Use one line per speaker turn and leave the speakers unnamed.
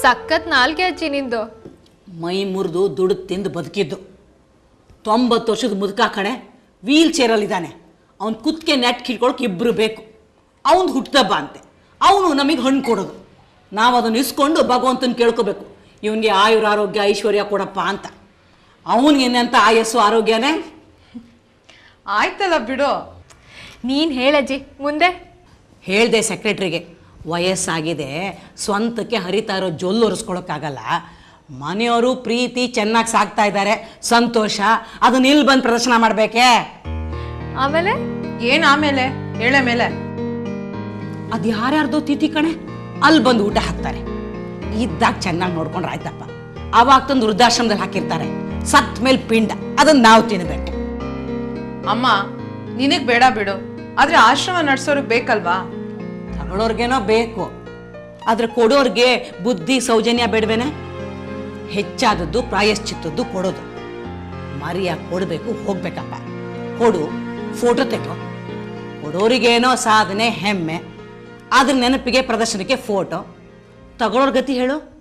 ಸಖತ್ ನಾಲ್ಗೆ ಅಜ್ಜಿ ನಿಂದು.
ಮೈ ಮುರಿದು ದುಡ್ಡು ತಿಂದು ಬದುಕಿದ್ದು 90 ವರ್ಷದ ಮುದುಕ ಕಣೆ, ವೀಲ್ ಚೇರಲ್ಲಿದ್ದಾನೆ. ಅವ್ನು ಕುತ್ತಿಗೆ ನೆಟ್ ಕಿಡ್ಕೊಳಕ್ಕೆ ಇಬ್ಬರು ಬೇಕು. ಅವನು ಹುಟ್ಟದಬ್ಬ ಅಂತೆ, ಅವನು ನಮಗೆ ಹಣ್ಣು ಕೊಡೋದು. ನಾವು ಅದನ್ನು ಇಸ್ಕೊಂಡು ಭಗವಂತನ ಕೇಳ್ಕೋಬೇಕು, ಇವನಿಗೆ ಆಯುರ ಆರೋಗ್ಯ ಐಶ್ವರ್ಯ ಕೊಡಪ್ಪ ಅಂತ. ಅವನಿಗೇನಂತ ಆಯಸ್ಸು ಆರೋಗ್ಯನೇ.
ಆಯ್ತಲ್ಲ ಬಿಡು.
ನೀನು ಹೇಳಜ್ಜಿ ಮುಂದೆ.
ಹೇಳಿದೆ ಸೆಕ್ರೆಟ್ರಿಗೆ, ವಯಸ್ಸಾಗಿದೆ, ಸ್ವಂತಕ್ಕೆ ಹರಿತಾ ಇರೋ ಜೊಲ್ಲು ಒರೆಸ್ಕೊಳಕ್ಕಾಗಲ್ಲ. ಮನೆಯವರು ಪ್ರೀತಿ ಚೆನ್ನಾಗಿ ಸಾಕ್ತಾ ಇದ್ದಾರೆ, ಸಂತೋಷ. ಅದನ್ನ ಇಲ್ಲಿ ಬಂದು ಪ್ರದರ್ಶನ ಮಾಡಬೇಕೇ?
ಆಮೇಲೆ
ಏನ್ ಆಮೇಲೆ? ಹೇಳೆ ಮೇಲೆ.
ಅದು ಯಾರ್ಯಾರ್ದೋ ತಿಥಿ ಕಣೆ, ಅಲ್ಲಿ ಬಂದು ಊಟ ಹಾಕ್ತಾರೆ. ಇದ್ದಾಗ ಚೆನ್ನಾಗಿ ನೋಡ್ಕೊಂಡ್ರೆ ಆಯ್ತಪ್ಪ. ಅವಾಗ ತಂದು ವೃದ್ಧಾಶ್ರಮದಲ್ಲಿ ಹಾಕಿರ್ತಾರೆ. ಸತ್ ಮೇಲೆ ಪಿಂಡ, ಅದನ್ನ ನಾವು ತಿನ್ಬೇಕು.
ಅಮ್ಮ ನಿನಗ್ ಬೇಡ ಬಿಡು, ಆದ್ರೆ ಆಶ್ರಮ ನಡ್ಸೋರ್ಗ್ ಬೇಕಲ್ವಾ?
ತಗೊಳ್ಳೋರ್ಗೇನೋ ಬೇಕು, ಆದ್ರೆ ಕೊಡೋರ್ಗೆ ಬುದ್ಧಿ ಸೌಜನ್ಯ ಬೇಡವೇನೆ? ಹೆಚ್ಚಾದದ್ದು ಪ್ರಾಯಶ್ಚಿತ್ತದ್ದು ಕೊಡೋದು. ಮರಿಯಾಗಿ ಕೊಡಬೇಕು, ಹೋಗ್ಬೇಕಪ್ಪ. ಕೊಡು, ಫೋಟೋ ತೆಗೋ. ಕೊಡೋರಿಗೇನೋ ಸಾಧನೆ ಹೆಮ್ಮೆ, ಅದ್ರ ನೆನಪಿಗೆ ಪ್ರದರ್ಶನಕ್ಕೆ ಫೋಟೋ. ತಗೊಳ್ಳೋರ್ ಗತಿ ಹೇಳು.